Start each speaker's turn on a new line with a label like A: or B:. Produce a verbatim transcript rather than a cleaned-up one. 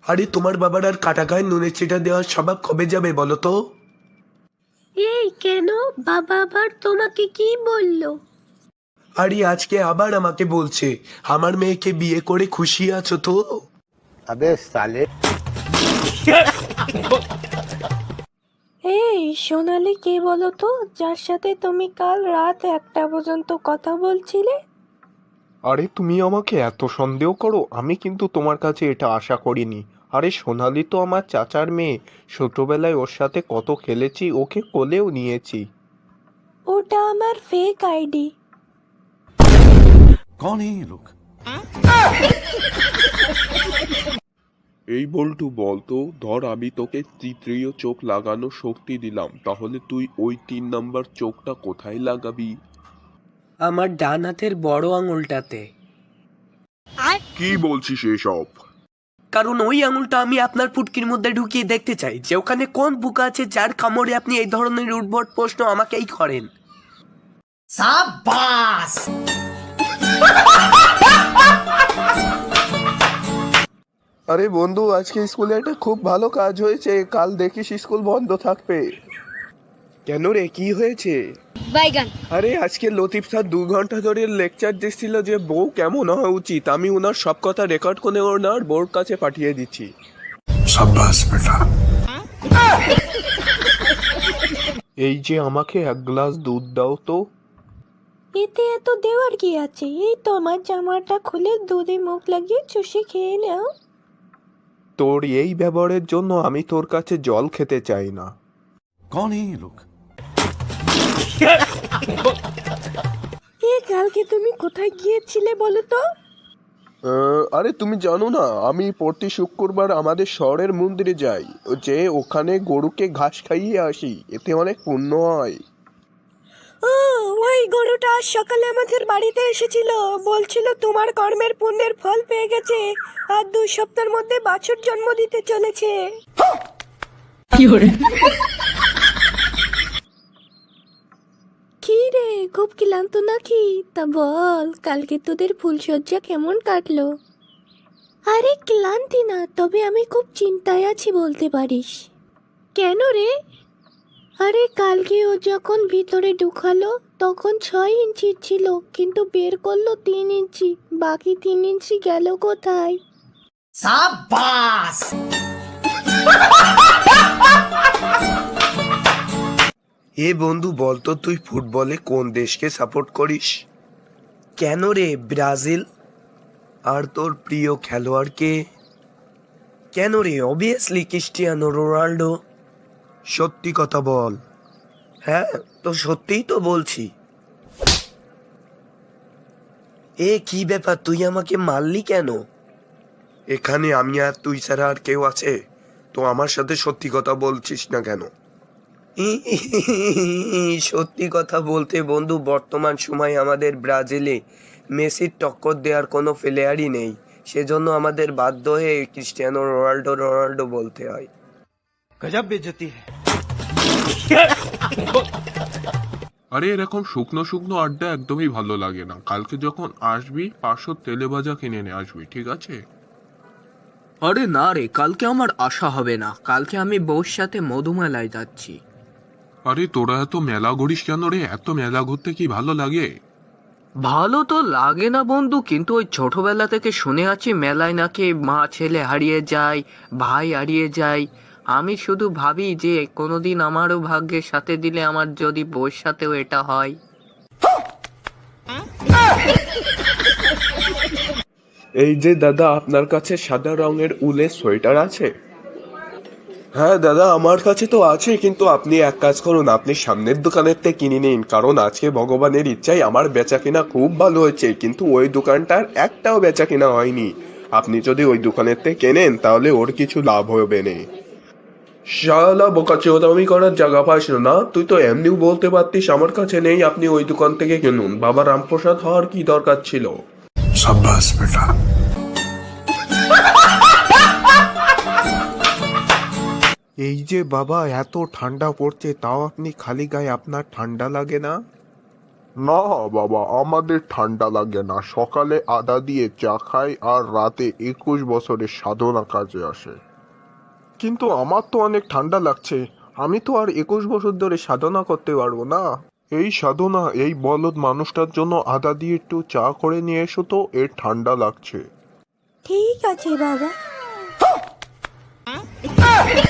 A: আরে তোমার বাবার আর কাটা গায়ে নুনের চিটা দেওয়ার স্বভাব কবে যাবে বলো তো?
B: এই কেন, বাবা আবার তোমাকে কি বললো?
A: আরে আজকে আবার আমাকে বলছে আমার মেয়েকে বিয়ে করে খুশি আছো তো?
C: अबे साले।
B: এই সোনালি কে বলো তো, যার সাথে তুমি কাল রাত একটা পর্যন্ত কথা বলছিলে?
D: আরে তুমি আমাকে এত সন্দেহ করো, আমি কিন্তু তোমার কাছে এটা আশা করিনি। আরে সোনালি তো আমার চাচার মেয়ে, ছোটবেলায় ওর সাথে কত খেলেছি, ওকে কোলেও নিয়েছি।
B: ওটা আমার ফেক আইডি।
E: कौन है ये लोग?
D: এই বল্টু বলতো, ধর আমি তোকে তৃতীয় চোখ লাগানো শক্তি দিলাম, তাহলে তুই ওই তিন নাম্বার চোখটা কোথায় লাগাবি?
F: আমার ডান হাতের বড় আঙুলটাতে।
D: কি বলছিস এসব?
F: কারণ ওই আঙুলটা আমি আপনার ফুটকির মধ্যে ঢুকিয়ে দেখতে চাই যে ওখানে কোন বুকা আছে যার কামড়ে আপনি এই ধরনের উদ্ভট প্রশ্ন আমাকেই করেন।
D: আরে বন্ধু, আজকে স্কুলে একটা খুব ভালো কাজ হয়েছে, কাল দেখিস স্কুল বন্ধ থাকবে। কেন রে, কি হয়েছে? আরে আজকে লতিফ স্যার দু ঘন্টা ধরে লেকচার দিচ্ছিল যে বউ কেমন হওয়া উচিত। আমি ওনার সব কথা রেকর্ড করে ওনার বোর্ড কাছে পাঠিয়ে দিচ্ছি।
E: शाबाश बेटा।
D: এই যে আমাকে এক গ্লাস দুধ দাও তো।
B: এতে এত দেওয়ার কি আছে, এই তোমার জামাটা খুলে দুধে মুখ লাগিয়ে চুষে খেয়ে নাও।
D: তোর এই ব্যবহারের জন্য আমি তোর কাছে জল খেতে চাই না।
E: कौन है ये लोग?
B: এ কালকে তুমি কোথায় গিয়েছিলে বলো তো?
D: আহ, আরে তুমি জানো না, আমি প্রতি শুক্রবার আমাদের শহরের মন্দিরে যাই, যে ওখানে গরুকে ঘাস খাইয়ে আসি, এতে অনেক পুণ্য হয়।
B: ও, ওই গরুটা আজ সকালে আমাদের বাড়িতে এসেছিল, বলছিল তোমার কর্মের পুণ্যের ফল পেয়ে গেছে আর দুই সপ্তাহের মধ্যে বাছুর জন্ম দিতে চলেছে। কি রে, খুব ক্লান্ত নাকি? তা বল, কালকে তোদের ফুলসজ্জা কেমন কাটলো? আরে ক্লান্তি না, তবে আমি খুব চিন্তায় আছি বলতে পারিস। কেন রে? আরে কালকে ও যখন ভিতরে ঢুকালো তখন ছয় ইঞ্চি ছিল, কিন্তু বের করলো তিন ইঞ্চি, বাকি তিন ইঞ্চি গেল কোথায়?
A: এ বন্ধু বলতো, তুই ফুটবলে কোন দেশকে সাপোর্ট করিস?
F: কেন রে, ব্রাজিল।
A: আর তোর প্রিয় খেলোয়াড় কে?
F: কেন রে, অবভিয়াসলি ক্রিস্টিয়ানো রোনাল্ডো।
A: সত্যি কথা বল।
F: হ্যাঁ, তো সত্যিই তো বলছি। এ কি ব্যাপার, তুই আমাকে মারলি কেন?
A: এখানে আমি আর তুই ছাড়া আর কেউ আছে? তো আমার সাথে সত্যি কথা বলছিস না কেন?
F: সত্যি কথা বলতে বন্ধু, বর্তমান সময়ে আমাদের ব্রাজিলে মেসির টক্কর দেওয়ার কোনো প্লেয়ারই নেই, সেজন্য আমাদের বাধ্য হয়ে ক্রিস্টিয়ানো রোনাল্ডো রোনাল্ডো বলতে হয়।
E: गजब बेइज्जती है।
D: আরে এরকম শুকনো শুকনো আড্ডা একদমই ভালো লাগে না। কালকে যখন আসবি পাঁচশো তেলে ভাজা কিনে নিয়ে আসবি, ঠিক আছে?
F: আরে না রে, কালকে আমার আশা হবে না, কালকে আমি বউর সাথে মধুমেলায় যাচ্ছি।
D: আরে তোরা এত মেলা ঘুরিস কেন রে? এত মেলা ঘুরতে কি ভালো লাগে?
F: ভালো তো লাগে না বন্ধু, কিন্তু ওই ছোটবেলা থেকে শুনে আছি মেলায় নাকি মা ছেলে হারিয়ে যায়, ভাই হারিয়ে যায়। আমি শুধু ভাবি যে কোনোদিন আমারও ভাগ্যের সাথে দিলে আমার যদি বউর সাথেও এটা হয়।
D: এই যে দাদা, আপনার কাছে সাদা রঙের উলের সোয়েটার আছে?
A: হ্যাঁ দাদা, আমার কাছে তো আছে, কিন্তু আপনি এক কাজ করুন, আপনি সামনের দোকানের থেকে কিনে নিন, কারণ আজকে ভগবানের ইচ্ছায় আমার বেচা কিনা খুব ভালো হয়েছে, কিন্তু ওই দোকানটার একটাও বেচা কিনা হয়নি। আপনি যদি ওই দোকানের থেকে কেনেন তাহলে ওর কিছু লাভ হবে না। শালা বোকাচোদামি করার জায়গা পাস না, তুই তো এমনিও বলতে পারতিস আমার কাছে নেই, আপনি ওই দোকান থেকে কিনুন। বাবা রামপ্রসাদ হওয়ার কি দরকার ছিল?
E: शाबाश बेटा।
D: এই যে বাবা, এত ঠান্ডা পড়ছে তাও আপনি খালি গায়ে, আপনার ঠান্ডা লাগে না?
G: না বাবা, আমাদের ঠান্ডা লাগে না। সকালে আদা দিয়ে চা খাই আর রাতে একুশ বছরের সাধনা কাজে আসে।
A: কিন্তু আমার তো অনেক ঠান্ডা লাগছে, আমি তো আর একুশ বছর ধরে সাধনা করতে পারবো না।
G: এই সাধনা, এই বলদ মানুষটার জন্য আদা দিয়ে একটু চা করে নিয়ে এসো তো, এর ঠান্ডা লাগছে।
B: ঠিক আছে বাবা।